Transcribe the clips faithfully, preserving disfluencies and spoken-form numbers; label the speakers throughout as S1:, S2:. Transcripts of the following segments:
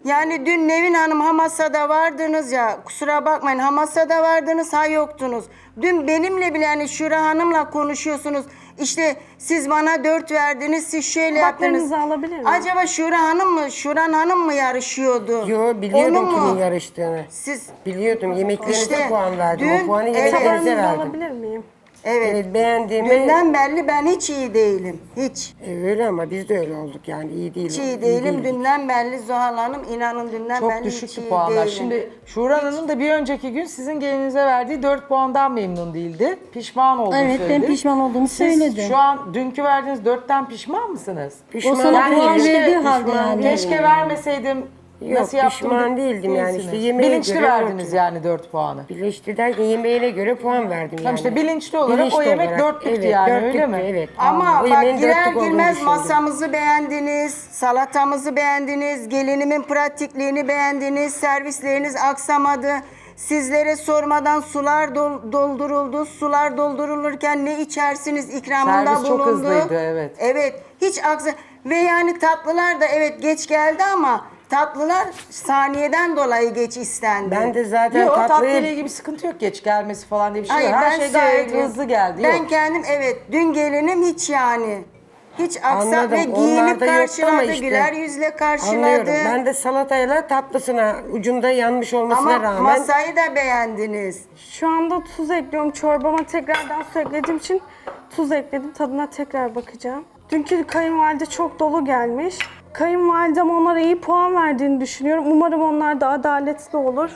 S1: Yani dün Nevin Hanım ha masada vardınız ya, kusura bakmayın, ha masada vardınız ha yoktunuz. Dün benimle bile yani Şura Hanım'la konuşuyorsunuz. İşte siz bana dört verdiniz, siz şöyle yaptınız.
S2: Tabaklarınızı alabilir miyim?
S1: Acaba Şura Hanım mı, Şuran Hanım mı yarışıyordu?
S3: Yo, biliyordum
S1: Onu mu?
S3: kimin yarıştığını.
S1: Siz
S3: Biliyordum, yemeklerinize
S1: İşte
S3: puan verdim.
S1: dün-
S3: O puanı
S1: evet.
S3: yemeklerinize
S2: Tabağınızı
S3: verdim.
S2: alabilir miyim?
S1: evet,
S3: Evet, beğendiğimi...
S1: dünden belli ben hiç iyi değilim. Hiç.
S3: E, öyle ama biz de öyle olduk yani, iyi değil.
S1: Hiç iyi değilim. Dünden belli Zuhal Hanım, inanın dünden
S4: Çok
S1: belli hiç
S4: düşüktü
S1: iyi
S4: puanlar.
S1: değilim.
S4: Şimdi Şuran Hanım da bir önceki gün sizin gelinize verdiği dört puandan memnun değildi. Pişman olduğunu
S5: Evet, ben
S4: söyledi.
S5: pişman olduğumu
S4: Siz
S5: söyledim.
S4: şu an dünkü verdiğiniz dörtten pişman mısınız?
S3: Pişman
S5: O sana
S3: değilim.
S5: puan
S4: keşke-
S5: verdiği halde
S3: pişman
S5: yani.
S3: değilim.
S4: Keşke vermeseydim.
S3: Yok,
S4: Nasıl yaptım?
S3: pişman
S4: de-
S3: değildim yani.
S4: değilsiniz.
S3: İşte yemeğe
S4: Bilinçli
S3: göre
S4: verdiniz
S3: ortada.
S4: yani dört puanı.
S3: Bilinçli derken yemeğine göre puan verdim yani.
S4: Tamam işte bilinçli olarak
S3: Bilinçli
S4: o yemek
S3: olarak.
S4: dörtlüktü
S3: Evet,
S4: yani, öyle
S3: dörtlüktü,
S4: mi?
S3: Evet.
S1: Ama
S3: O
S1: bak
S3: yemeğin
S1: girer
S3: dörtlük olduğunu
S1: girmez
S3: düşündüm.
S1: masamızı beğendiniz, salatamızı beğendiniz, gelinimin pratikliğini beğendiniz, servisleriniz aksamadı. Sizlere sormadan sular dol- dolduruldu. Sular doldurulurken ne içersiniz ikramında
S4: Servis çok
S1: bulundu.
S4: hızlıydı, evet.
S1: Evet, hiç aksa ve yani tatlılar da evet geç geldi ama tatlılar saniyeden dolayı geç istendi.
S3: Ben de zaten
S4: Yok tatlıyla
S3: tatlıyı...
S4: ilgili bir sıkıntı yok, geç gelmesi falan diye bir şey
S1: Hayır,
S4: yok. Her
S1: ben
S4: şey gayet
S1: söyleyeyim.
S4: hızlı geldi.
S1: Ben
S4: Yok.
S1: kendim evet dün gelinim hiç yani hiç aksa
S3: Anladım.
S1: ve giyinip
S3: Onlarda yoktu ama
S1: karşıladı,
S3: işte.
S1: güler yüzle karşıladı.
S3: Anlıyorum. Ben de salatayla tatlısına ucunda yanmış olmasına
S1: Ama
S3: rağmen...
S1: masayı da beğendiniz.
S2: Şu anda tuz ekliyorum. Çorbama tekrardan su eklediğim için tuz ekledim. Tadına tekrar bakacağım. Dünkü kayınvalide çok dolu gelmiş. Kayınvalidem onlara iyi puan verdiğini düşünüyorum. Umarım onlar da adaletli olur.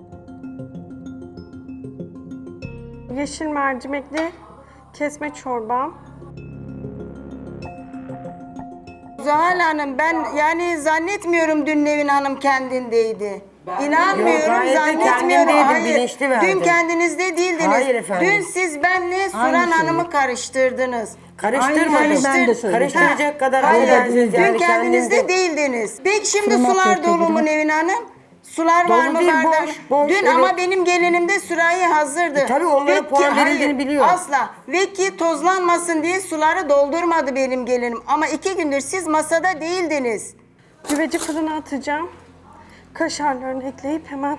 S2: Yeşil mercimekli kesme çorbam.
S1: Zuhal Hanım ben yani zannetmiyorum dün Nevin Hanım kendindeydi. İnanmıyorum,
S3: Yok, gayet de
S1: zannetmiyorum.
S3: kendindeydim,
S1: Hayır,
S3: bilinçli verdim.
S1: dün kendinizde değildiniz.
S3: Hayır efendim.
S1: Dün siz benle Suran
S5: Aynı şey.
S1: Hanım'ı karıştırdınız.
S3: Karıştırmadım.
S5: Aynı şeyi ben de söyledim.
S3: Karıştıracak kadar
S1: Hayır,
S3: affedersiniz
S1: dün
S3: yani
S1: kendinizde
S3: kendimde-
S1: değildiniz. Peki şimdi
S5: Fırına
S1: sular
S5: atıyor
S1: dolu mu
S5: tabii.
S1: Nevin Hanım? Sular
S3: Dolu
S1: var mı
S3: değil,
S1: bardak?
S3: boş, boş,
S1: Dün
S3: evet.
S1: ama benim gelinimde sürahi hazırdı.
S3: E, tabii onlara
S1: Ve ki-
S3: puan
S1: hayır,
S3: verildiğini biliyorum.
S1: Asla. Ve ki tozlanmasın diye suları doldurmadı benim gelinim. Ama iki gündür siz masada değildiniz.
S2: Güveci fırına atacağım. Kaşarlarını ekleyip hemen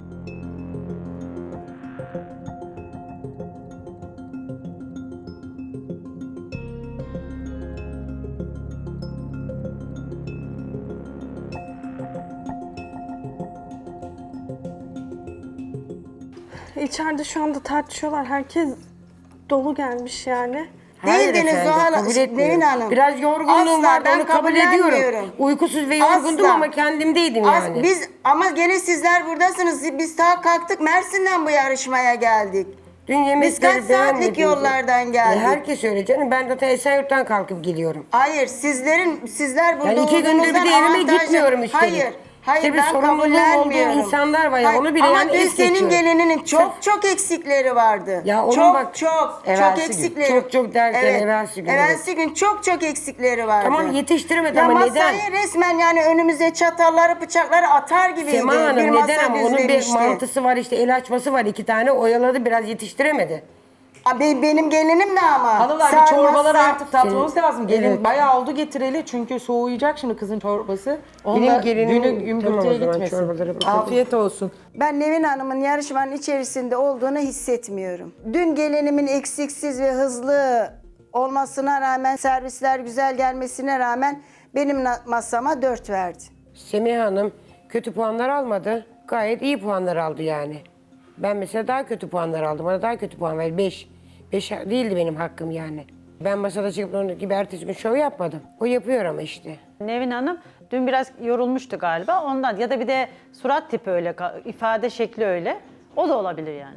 S2: İçeride şu anda tartışıyorlar. Herkes dolu gelmiş yani.
S3: Hayır
S1: Değildiniz
S3: efendim,
S1: Zuhal
S3: kabul etmiyorum.
S1: Nevin Hanım.
S3: Biraz yorgunluğum
S1: Asla,
S3: vardı,
S1: ben
S3: onu kabul
S1: kabullenmiyorum.
S3: ediyorum. Uykusuz ve yorgundum
S1: Asla.
S3: ama kendimdeydim
S1: Az-
S3: yani.
S1: Biz ama gene sizler buradasınız. Biz daha kalktık Mersin'den bu yarışmaya geldik.
S3: Dün yemekleri
S1: Biz kaç saatlik
S3: beğenmedim.
S1: yollardan geldik?
S3: E, herkes öyle canım. Ben de Esenyurt'tan kalkıp geliyorum.
S1: Hayır, sizlerin sizler burada
S3: Yani iki gündür bir de
S1: olduğunuzdan
S3: evime
S1: avantajlı-
S3: gitmiyorum üstelik.
S1: Hayır. Hayır
S3: İşte bir
S1: ben
S3: sorumluluğum
S1: kabullenmiyorum.
S3: olduğu insanlar var ya,
S1: Hayır,
S3: onu bile
S1: ama
S3: yani
S1: dün
S3: es
S1: senin
S3: geçiyorum.
S1: gelininin çok çok eksikleri vardı.
S3: Ya onun
S1: çok
S3: bak,
S1: çok
S4: evvelsi
S1: çok
S4: gün.
S1: eksikleri.
S3: Çok çok derken evvelsi gün,
S1: Evvelsi gün çok çok eksikleri vardı.
S3: Tamam, yetiştiremedi
S1: ya
S3: ama
S1: masayı
S3: neden?
S1: resmen yani önümüze çatalları bıçakları atar gibiydi.
S3: Sema Hanım
S1: bir masa
S3: neden ama onun bir
S1: düzlemişti.
S3: mantısı var, işte el açması var, iki tane oyaladı, biraz yetiştiremedi.
S1: Abi benim gelinim de ama.
S4: Hanımlar bir
S1: sarmazsa-
S4: çorbaları artık tatmamız
S3: Senin-
S4: lazım. Gelin
S3: Evet.
S4: bayağı oldu getireli çünkü soğuyacak şimdi kızın çorbası. Onunla
S3: Benim gelinim-
S4: günü
S3: Tamam,
S4: gümbürtüye
S3: o zaman
S4: gitmesin.
S3: çorbalara bakalım.
S4: Afiyet olsun.
S1: Ben Nevin Hanım'ın yarışmanın içerisinde olduğunu hissetmiyorum. Dün gelinimin eksiksiz ve hızlı olmasına rağmen, servisler güzel gelmesine rağmen benim na- masama dört verdi.
S3: Semih Hanım kötü puanlar almadı. Gayet iyi puanlar aldı yani. Ben mesela daha kötü puanlar aldım. Bana daha kötü puan verdi. Beş. Beş değildi benim hakkım yani. Ben masada çıkıp onun gibi ertesi gün şov yapmadım. O yapıyor ama işte.
S6: Nevin Hanım dün biraz yorulmuştu galiba ondan ya da bir de surat tipi öyle, ifade şekli öyle. O da olabilir yani.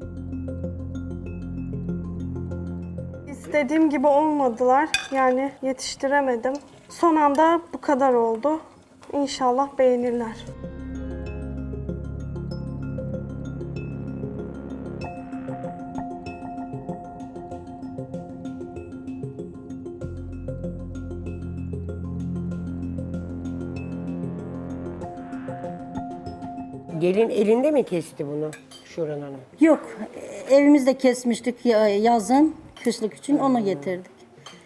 S2: İstediğim gibi olmadılar. Yani yetiştiremedim. Son anda bu kadar oldu. İnşallah beğenirler.
S3: Gelin elinde mi kesti bunu Şuran Hanım?
S5: Yok, evimizde kesmiştik ya- yazın, kışlık için onu getirdik.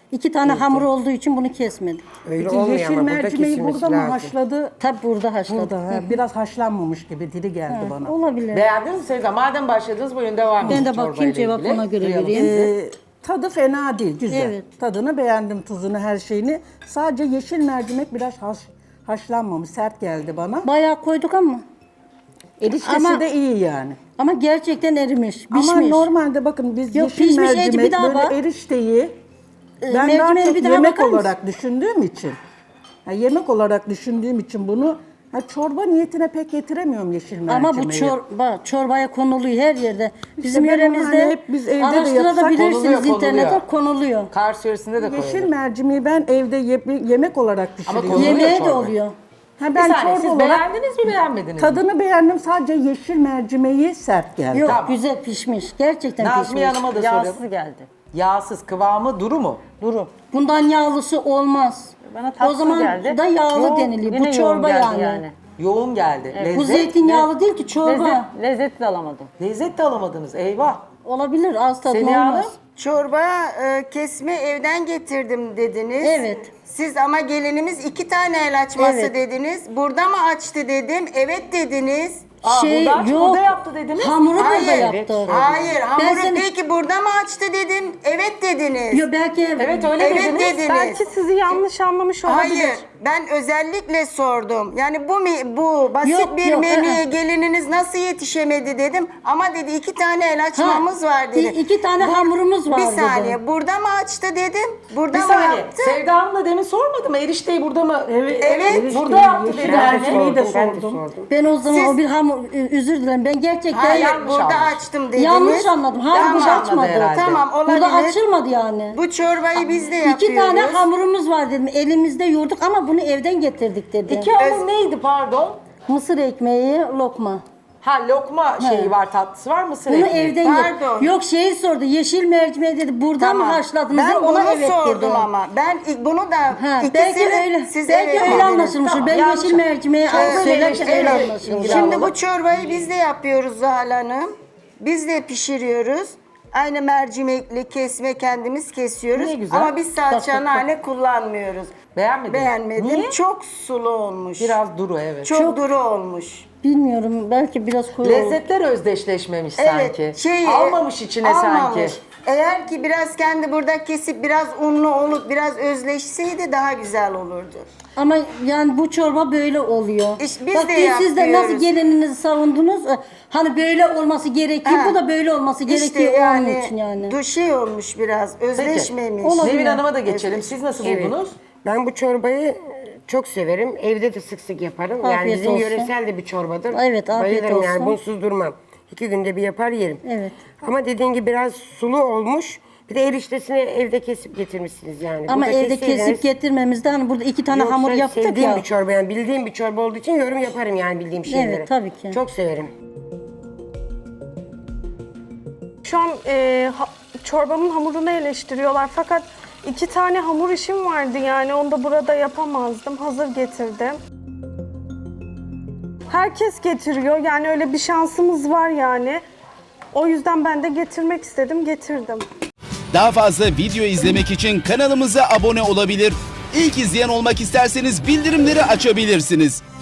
S5: İki tane hamur olduğu için bunu kesmedik.
S3: Öyle
S7: Peki
S3: olmuyor
S7: yeşil
S3: ama burada
S7: mercimeği
S3: kesilmesi
S7: burada mı
S3: lazım.
S7: haşladı?
S5: Tabi burada haşladık.
S7: Burada. ha, Biraz haşlanmamış gibi diri geldi bana.
S5: Olabilir.
S4: Beğendiniz mi Sevda? Madem başladınız buyurun devam edin.
S5: Ben de
S4: çorbayla
S5: bakayım, cevap
S4: ilgili.
S5: ona göre
S4: Duyalım
S5: vereyim.
S4: sizi.
S7: Ee, tadı fena değil, güzel.
S5: Evet.
S7: Tadını beğendim, tuzunu, her şeyini. Sadece yeşil mercimek biraz haş, haşlanmamış, sert geldi bana.
S5: Bayağı koyduk ama.
S7: Eriştesi
S5: Ama-
S7: de iyi yani.
S5: Ama gerçekten erimiş, pişmiş.
S7: Ama normalde bakın biz
S5: Yok,
S7: yeşil
S5: pişmiş, eci
S7: mercimek
S5: bir daha
S7: böyle
S5: bak.
S7: erişteyi
S5: Ee,
S7: ben daha
S5: mercimeğe
S7: çok
S5: bir daha
S7: yemek
S5: bakar mısın?
S7: olarak düşündüğüm için. Ha, yemek olarak düşündüğüm için bunu ha, çorba niyetine pek getiremiyorum yeşil mercimeği.
S5: Ama bu çorba, çorbaya konuluyor her yerde. Bizim
S7: ben onu
S5: yöremizde
S7: hani hep biz evde de yapsak
S5: araştırabilirsiniz
S4: konuluyor,
S5: internette
S4: konuluyor.
S5: konuluyor.
S4: Kars yöresinde de
S7: Yeşil
S4: koyalım.
S7: mercimeği ben evde ye- yemek olarak pişiriyorum.
S4: konuluyor
S5: Yemeğe de
S4: çorba.
S5: oluyor.
S7: Ha,
S4: Bir
S7: ben
S4: saniye,
S7: çorba
S4: siz
S7: olarak
S4: beğendiniz mi beğenmediniz mi?
S7: tadını beğendim, sadece yeşil mercimeği sert geldi.
S5: Yok,
S4: Tamam.
S5: güzel pişmiş. Gerçekten
S4: Nazmiye
S5: pişmiş.
S4: Hanım'a da soralım.
S6: Yağsız geldi.
S4: Yağsız kıvamı duru mu?
S6: Duru.
S5: Bundan yağlısı olmaz.
S6: Bana
S5: O
S6: tatsız
S5: zaman
S6: geldi.
S5: da yağlı
S6: Yoğun,
S5: deniliyor.
S6: yine
S5: Bu çorba
S6: yoğun geldi
S5: yani.
S4: Yoğun geldi. Lezzet,
S5: Bu zeytinyağlı değil ki çorba.
S6: Lezzet, lezzet de alamadım.
S4: lezzet de alamadınız. Eyvah.
S5: Olabilir, az tadına
S4: Seniha
S5: olmaz.
S4: Hanım?
S1: Çorba e, kesme evden getirdim dediniz.
S5: Evet.
S1: Siz ama gelinimiz iki tane el açması
S5: Evet.
S1: dediniz. Burada mı açtı dedim. Evet dediniz.
S4: Aa,
S5: Şey
S4: burada,
S5: yok.
S4: burada yaptı dediniz.
S5: Hamuru burada
S1: Hayır.
S5: yaptı.
S1: Hayır. Hamuru
S5: Ben seni-
S1: peki burada mı açtı dedim. Evet dediniz.
S5: Yo, belki
S4: Evet öyle
S1: Evet
S4: dediniz.
S1: dediniz.
S2: Belki sizi yanlış anlamış olabilir.
S1: Hayır, ben özellikle sordum. Yani bu mi- bu basit
S5: Yok,
S1: bir
S5: yok,
S1: menüye
S5: ı-ı.
S1: gelininiz nasıl yetişemedi dedim. Ama dedi iki tane el açmamız
S5: Ha,
S1: var dedi.
S5: i- iki tane hamurumuz var
S1: Bir
S5: dedi.
S1: saniye, burada mı açtı dedim. Burada
S4: Bir
S1: mı
S4: saniye.
S1: yaptı?
S4: Sevda Hanım'la demin sormadım mı? Erişteyi burada mı?
S7: Evet,
S1: Evet,
S4: burada yaptı
S7: yeşil
S4: dedi.
S7: mercimeği de
S3: Ben de
S7: sordum.
S3: sordum.
S5: Ben o zaman
S1: Siz-
S5: o bir hamur, özür dilerim, ben gerçekten
S1: Hayır,
S4: yanlış
S1: burada
S4: anlamış.
S1: açtım dediniz.
S5: yanlış anladım. Hayır,
S1: Tamam,
S5: burada
S4: anladı
S5: açmadı.
S4: herhalde.
S1: Tamam, olabilir.
S5: Burada açılmadı yani.
S1: Bu çorbayı biz de yapıyoruz.
S5: İki tane hamurumuz var dedim. Elimizde yoğurduk ama bunu evden getirdik dedi.
S4: İki hamur neydi pardon?
S5: Mısır ekmeği, lokma.
S4: Ha lokma şeyi var, tatlısı var, mısır
S5: Bunu
S4: ekmeği.
S5: evden
S1: Pardon.
S5: getirdik. Yok, şeyi sordu. Yeşil mercimeği dedi. Burada mı haşladınız?
S1: Ben
S5: dedi.
S1: bunu
S5: Ona evet
S1: sordum
S5: dedi.
S1: ama. Ben ilk- bunu da
S5: Ha,
S1: ikisini
S5: belki öyle.
S1: siz
S5: belki
S1: evet
S5: öyle
S1: dediniz.
S5: anlaşılmıştır.
S4: Tamam,
S5: Ben
S4: yanlış.
S5: yeşil mercimeği
S4: Çorba
S5: söylerken
S4: ile
S5: öyle
S4: ilgili-
S5: anlaşılmış.
S4: ilgili-
S1: Şimdi bu çorbayı biz de yapıyoruz Zuhal Hanım. Biz de pişiriyoruz. Aynı mercimekli kesme kendimiz kesiyoruz.
S4: Ne güzel.
S1: Ama biz salça
S5: Bak, bak,
S1: nane kullanmıyoruz.
S4: Beğenmediniz.
S1: Beğenmedim.
S4: Niye?
S1: Çok sulu olmuş.
S4: Biraz duru evet.
S1: çok, duru olmuş.
S5: Bilmiyorum. Belki biraz koyu oldu.
S4: Lezzetler özdeşleşmemiş
S1: Evet,
S4: sanki.
S1: şey,
S4: Almamış içine
S1: almamış.
S4: sanki.
S1: Eğer ki biraz kendi burada kesip biraz unlu olup biraz özleşseydi daha güzel olurdu.
S5: Ama yani bu çorba böyle oluyor.
S1: İşte biz
S5: Bak,
S1: de
S5: dün siz de nasıl
S1: yapıyoruz.
S5: gelininizi savundunuz? e, Hani böyle olması gerekiyor.
S1: Ha.
S5: Bu da böyle olması gerekiyor onun için yani.
S1: Du şey olmuş biraz, özleşmemiş.
S5: Olabilir.
S4: Nevin Hanım'a da geçelim. Siz nasıl
S3: Evet.
S4: buldunuz?
S3: Ben bu çorbayı çok severim. Evde de sık sık yaparım. yani
S5: Afiyet
S3: bizim
S5: olsun.
S3: yöresel de bir çorbadır.
S5: Evet, afiyet
S3: Bayılırım yani
S5: olsun.
S3: bunsuz durmam. İki günde bir yapar yerim.
S5: Evet.
S3: Ama dediğin gibi biraz sulu olmuş. Bir de eriştesini evde kesip getirmişsiniz yani.
S5: Ama
S3: Burada
S5: evde
S3: kesseydiniz-
S5: kesip getirmemizde hani burada iki tane
S3: Yoksa
S5: hamur yaptık
S3: sevdiğim
S5: ya.
S3: bir çorba yani bildiğim bir çorba olduğu için yorum yaparım yani bildiğim şeyleri.
S5: tabii ki.
S3: Çok severim.
S2: Şu an e, ha- çorbamın hamurunu eleştiriyorlar fakat iki tane hamur işim vardı yani onu da burada yapamazdım. Hazır getirdim. Herkes getiriyor yani öyle bir şansımız var yani. O yüzden ben de getirmek istedim, getirdim.
S8: Daha fazla video izlemek için kanalımıza abone olabilir. İlk izleyen olmak isterseniz bildirimleri açabilirsiniz.